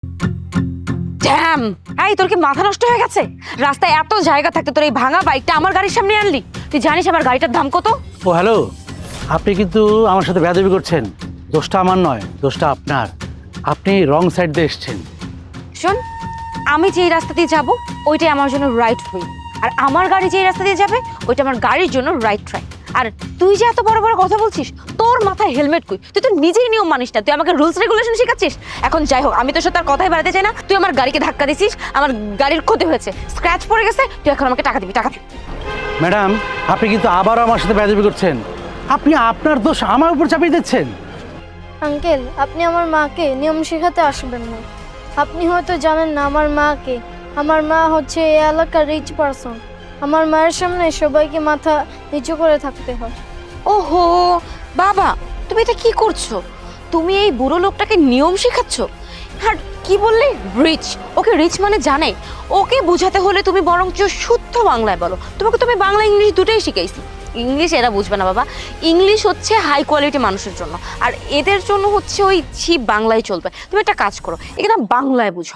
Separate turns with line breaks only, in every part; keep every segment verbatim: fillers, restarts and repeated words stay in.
Dam! এই তোর কি মাথা নষ্ট হয়ে গেছে? রাস্তায় এত জায়গা থাকতে তোর এই ভাঙা বাইকটা আমার গাড়ির সামনে আনলি? তুই জানিস আমার গাড়িটার দাম কত?
ও হ্যালো, আপনি কিন্তু আমার সাথে বেয়াদবি করছেন। দোষটা আমার নয়, দোষটা আপনার। আপনি রং সাইড দিয়ে এসছেন।
শোন, আমি যেই রাস্তা দিয়ে যাব ওইটাই আমার জন্য রাইট ওয়ে, আর আমার গাড়ি যেই রাস্তা দিয়ে যাবে ওইটা আমার গাড়ির জন্য রাইট ট্রাই। আর তুই যে এত বড় বড় কথা বলছিস, তোর মাথায় হেলমেট কই? তুই তো নিজেই নিয়ম মানিস না, তুই আমাকে রুলস রেগুলেশন শেখাচ্ছিস। এখন যাই হোক, আমি তোর সাথে আর কথাই বাড়াতে চাই না। তুই আমার গাড়িকে ধাক্কা দিছিস, আমার গাড়ির ক্ষতি হয়েছে, স্ক্র্যাচ পড়ে গেছে, তুই এখন আমাকে টাকা দিবি, টাকা দিবি।
ম্যাডাম, আপনি কিন্তু আবারও আমার সাথে বেয়াদবি করছেন। আপনি আপনার দোষ আমার উপর চাপিয়ে দিচ্ছেন।
আঙ্কেল, আপনি আমার মাকে নিয়ম শেখাতে আসবেন না। আপনি হয়তো জানেন না আমার মাকে। আমার মা হচ্ছে এই এলাকার রিচ পারসন। আমার মায়ের সামনে সবাইকে মাথা নিচু করে থাকতে হয়।
ওহো বাবা, তুমি এটা কি করছো? তুমি এই বুড়ো লোকটাকে নিয়ম শেখাচ্ছ? আর কি বললে রিচ? ওকে রিচ মানে জানে? ওকে বোঝাতে হলে তুমি বরঞ্চ শুদ্ধ বাংলায় বলো। তোমাকে তুমি বাংলা ইংলিশ দুটোই শিখাইছি। ইংলিশ এরা বুঝবে না বাবা। ইংলিশ হচ্ছে হাই কোয়ালিটি মানুষের জন্য, আর এদের জন্য হচ্ছে ওই চিপ বাংলায় চলবে। তুমি একটা কাজ করো, এখানে বাংলায় বুঝো।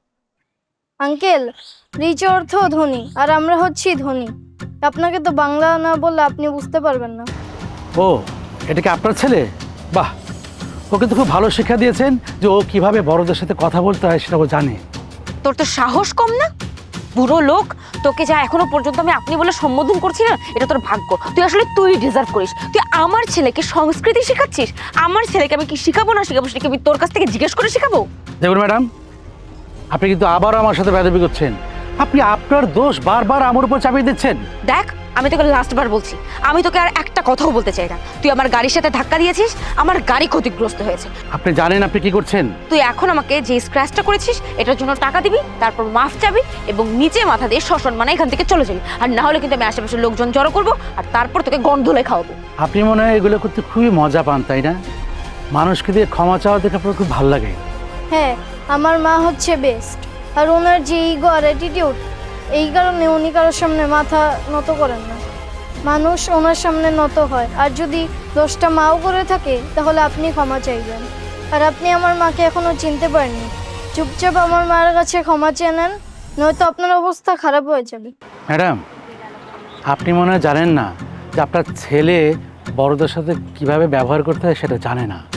আঙ্কেল, রিচ অর্থ ধনী, আর আমরা হচ্ছি ধনী। আপনাকে তো বাংলা না বললে আপনি বুঝতে পারবেন না।
ও, এটা কি আপনার ছেলে? বাহ, ওকে তো খুব ভালো শিক্ষা দিয়েছেন যে ও কিভাবে বড়দের সাথে কথা বলতে হয় সেটা ও জানে।
তোর তো সাহস কম না? বুড়ো লোক, তোকে যা এখনো পর্যন্ত আমি আপনি বলে সম্বোধন করছি না, এটা তোর ভাগ্য। তুই আসলে তুই ডিজার্ভ করিস। তুই আমার ছেলেকে সংস্কৃতি শেখাচ্ছিস। আমার ছেলেকে আমি কি শিখাবো না শিখাবো সেটা কি আমি তোর কাছ থেকে জিজ্ঞেস করে শিখাবো?
দেখুন ম্যাডাম, আপনি কিন্তু আবারও আমার সাথে বেয়াদবি করছেন। আপনি আপনার দোষ বারবার আমার উপর চাপিয়ে দিচ্ছেন।
দেখ, আমি তোকে লাস্ট বার বলছি, আমি তোকে আর একটা কথাও বলতে চাই না। তুই আমার গাড়ির সাথে ধাক্কা দিয়েছিস, আমার গাড়ি ক্ষতিগ্রস্ত হয়েছে।
আপনি জানেন আপনি কি করছেন?
তুই এখন আমাকে যে স্ক্র্যাচটা করেছিস এটার জন্য টাকা দিবি, তারপর মাফ চাবি এবং নিচে মাথা দিয়ে শ্মশান মানে এখান থেকে চলে যাবি। আর না হলে কিন্তু আমি আশেপাশের লোকজন জড়ো করবো, আর তারপর তোকে গন্ধলে খাওয়াবো।
আপনি মনে হয় এগুলো করতে খুবই মজা পান, তাই না? মানুষকে দিয়ে ক্ষমা চাওয়া দেখে আপনার খুব ভালো লাগে।
হ্যাঁ, আমার মা হচ্ছে বেস্ট। আর ওনার যে ইগো আর অ্যাটিটিউড, এই কারণে উনি কারোর সামনে মাথা নত করেন না। মানুষ ওনার সামনে নত হয়। আর যদি দোষটা মাও করে থাকে তাহলে আপনি ক্ষমা চাইবেন। আর আপনি আমার মাকে এখনো চিনতে পারেননি। চুপচাপ আমার মায়ের কাছে ক্ষমা চেয়ে নেন, নয়তো আপনার অবস্থা খারাপ হয়ে যাবে।
ম্যাডাম, আপনি মনে হয় জানেন না যে আপনার ছেলে বড়দের সাথে কিভাবে ব্যবহার করতে হয় সেটা জানে না।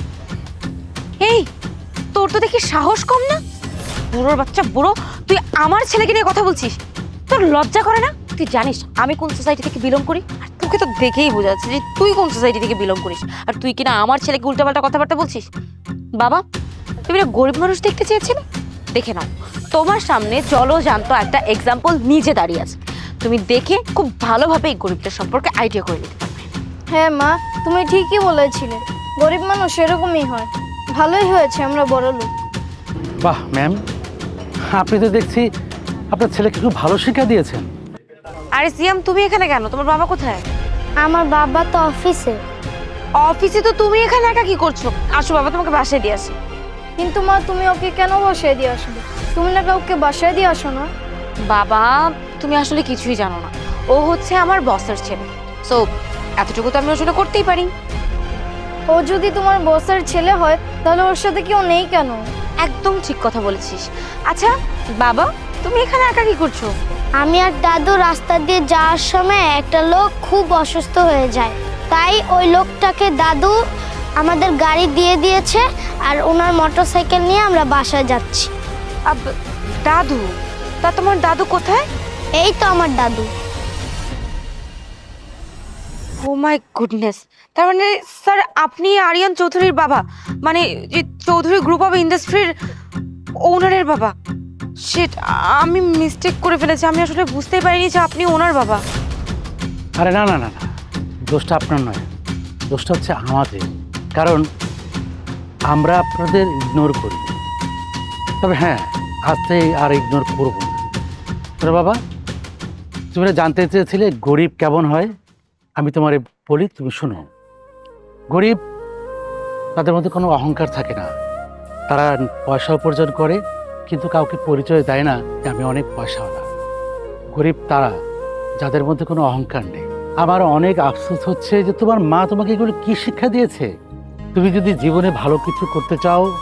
এই, তোর তো দেখি সাহস কম না? বুড়োর বাচ্চা বুড়ো, তুই আমার ছেলেকে নিয়ে কথা বলছিস? তোর লজ্জা করে না? তুই জানিস আমি কোন সোসাইটি থেকে বিলং করি? আর তোকে তো দেখেই বোঝা যাচ্ছে যে তুই কোন সোসাইটি থেকে বিলং করিস। আর তুই কিনা আমার ছেলেকে উল্টাপাল্টা কথাবার্তা বলছিস। বাবা, তুমি না গরিব মানুষ দেখতে চেয়েছিলে? দেখে নাও, তোমার সামনে চলো জানতো একটা এক্সাম্পল নিজে দাঁড়িয়ে আছে। তুমি দেখে খুব ভালোভাবে এই গরিবটার সম্পর্কে আইডিয়া করে নিতে পারবে।
হ্যাঁ মা, তুমি ঠিকই বলেছিলে। গরিব মানুষ এরকমই হয়। ভালোই হয়েছে আমরা বড় লোক।
বাহ ম্যাম, আপনি তো দেখছি আপনার ছেলেকে খুব ভালো শিক্ষা দিয়েছেন।
আরে সিয়াম, তুমি এখানে কেন? তোমার বাবা কোথায়?
আমার বাবা তো অফিসে।
অফিসে তো তুমি এখানে একা কি করছো? আসো বাবা, তোমাকে বাসায় দিয়ে আসি।
কিন্তু মা, তুমি ওকে কেন বাসায় দিয়ে আসবে? তুমি না কাউকে বাসায় দিয়ে আসো না?
বাবা, তুমি আসলে কিছুই জানো না। ও হচ্ছে আমার বসের ছেলে, সো এতটুকু তো আমি ওর জন্য করতেই পারি।
ও যদি তোমার বসের ছেলে হয় তাহলে ওর সাথে কেউ নেই কেন?
একদম ঠিক কথা বলেছিস। আচ্ছা বাবা, তুমি এখানে একা কি করছো?
আমি আর দাদু রাস্তা দিয়ে যাওয়ার সময় একটা লোক খুব অসুস্থ হয়ে যায়, তাই ওই লোকটাকে দাদু আমাদের গাড়ি দিয়ে দিয়েছে, আর ওনার মোটরসাইকেল নিয়ে আমরা বাসায় যাচ্ছি।
আব- দাদু? তা তোমার দাদু কোথায়?
এই তো আমার দাদু।
Oh my goodness! তার মানে স্যার আপনি আরিয়ান চৌধুরীর বাবা, মানে যে চৌধুরী গ্রুপ অফ ইন্ডাস্ট্রির ওনারের বাবা। শিট, আমি মিস্টেক করে ফেলেছি। আমি আসলে বুঝতেই পারিনি যে আপনি ওনার বাবা।
আরে না না না না, দোষটা আপনার নয়, দোষটা হচ্ছে আমাদের। কারণ আমরা আপনাদের ইগনোর করি। তবে হ্যাঁ, আজ থেকে আর ইগনোর করবো না। তোরা বাবা, তুমি না জানতে চেয়েছিলে গরিব কেমন হয়? আমি তোমার বলি, তুমি শোনো। গরিব, তাদের মধ্যে কোনো অহংকার থাকে না। তারা পয়সা উপার্জন করে কিন্তু কাউকে পরিচয় দেয় না যে আমি অনেক পয়সাওয়ালা। গরিব তারা যাদের মধ্যে কোনো অহংকার নেই। আমার অনেক আফসোস হচ্ছে যে তোমার মা তোমাকে এগুলো কি শিক্ষা দিয়েছে? তুমি যদি জীবনে ভালো কিছু করতে চাও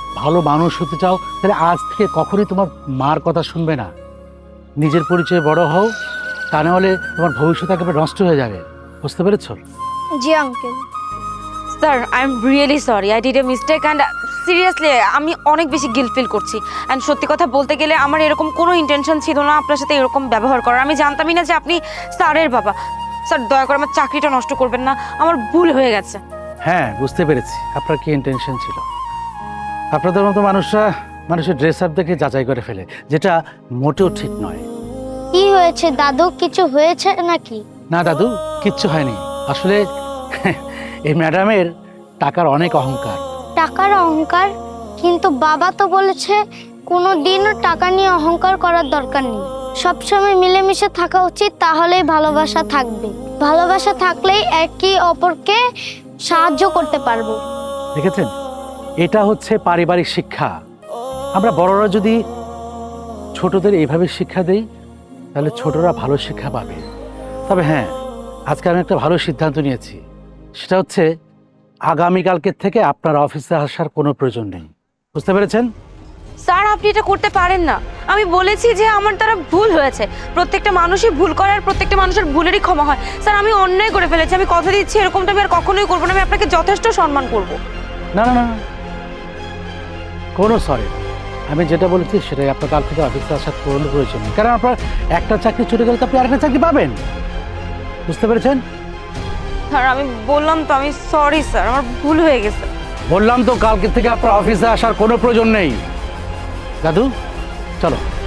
ভালো মানুষ হতে চাও তাহলে আজ থেকে কখনোই তোমার মার কথা শুনবে না। নিজের পরিচয়ে বড় হও, তা না হলে তোমার ভবিষ্যৎ একেবারে নষ্ট হয়ে যাবে। বুঝতে পেরেছো?
জি uncle.
Sir I am really sorry, I did a mistake and seriously আমি অনেক বেশি গিল্ট ফিল করছি। অ্যান্ড সত্যি কথা বলতে গেলে আমার এরকম কোনো ইন্টেনশন ছিল না আপনার সাথে এরকম ব্যবহার করার। আমি জানতামই না যে আপনি স্যারের বাবা। স্যার দয়া করে আমার চাকরিটা নষ্ট করবেন না, আমার ভুল হয়ে গেছে।
হ্যাঁ, বুঝতে পেরেছি আপনার কি ইন্টেনশন ছিল। আপনাদের মতো মানুষরা মানুষের ড্রেস আপ দেখে যাচাই করে ফেলে, যেটা মোটেও ঠিক নয়।
কি হয়েছে দাদু, কিছু হয়েছে নাকি?
না দাদু, কিচ্ছু হয়নি। আসলে এই ম্যাডামের টাকার অনেক অহংকার।
টাকার অহংকার? কিন্তু বাবা তো বলেছে কোনো দিনও টাকা নিয়ে অহংকার করার দরকার নেই, সবসময় মিলেমিশে থাকা উচিত, তাহলেই ভালোবাসা থাকবে। ভালোবাসা থাকলেই একে অপরকে সাহায্য করতে পারবো।
দেখেছেন, এটা হচ্ছে পারিবারিক শিক্ষা। আমরা বড়রা যদি ছোটদের এইভাবে শিক্ষা দেই তাহলে ছোটরা ভালো শিক্ষা পাবে। তবে হ্যাঁ, আজকে আমি একটা ভালো সিদ্ধান্ত নিয়েছি, সেটা হচ্ছে আগামীকালকের থেকে আপনার অফিসে আসার কোনো প্রয়োজন নেই। বুঝতে পেরেছেন?
স্যার আপনি এটা করতে পারেন না। আমি বলেছি যে আমার দ্বারা ভুল হয়েছে। প্রত্যেকটা মানুষই ভুল করে আর প্রত্যেকটা মানুষের ভুলেরই ক্ষমা হয়। স্যার আমি অন্যায় করে ফেলেছি, আমি কথা দিচ্ছি এরকমটা আমি আর কখনোই করবো না। আমি আপনাকে যথেষ্ট সম্মান করব।
না না না না, কোনো সরি। আমি যেটা বলেছি সেটাই, আপনার কাল থেকে অফিসে আসার কোনো প্রয়োজন নেই। কারণ আপনার একটা চাকরি ছুটে গেলে তো আপনি আরেকটা চাকরি পাবেন। বুঝতে পেরেছেন?
স্যার আমি বললাম তো, আমি সরি স্যার, আমার ভুল হয়ে গেছে।
বললাম তো কালকে থেকে আপনার অফিসে আসার কোনো প্রয়োজন নেই। দাদু চলো।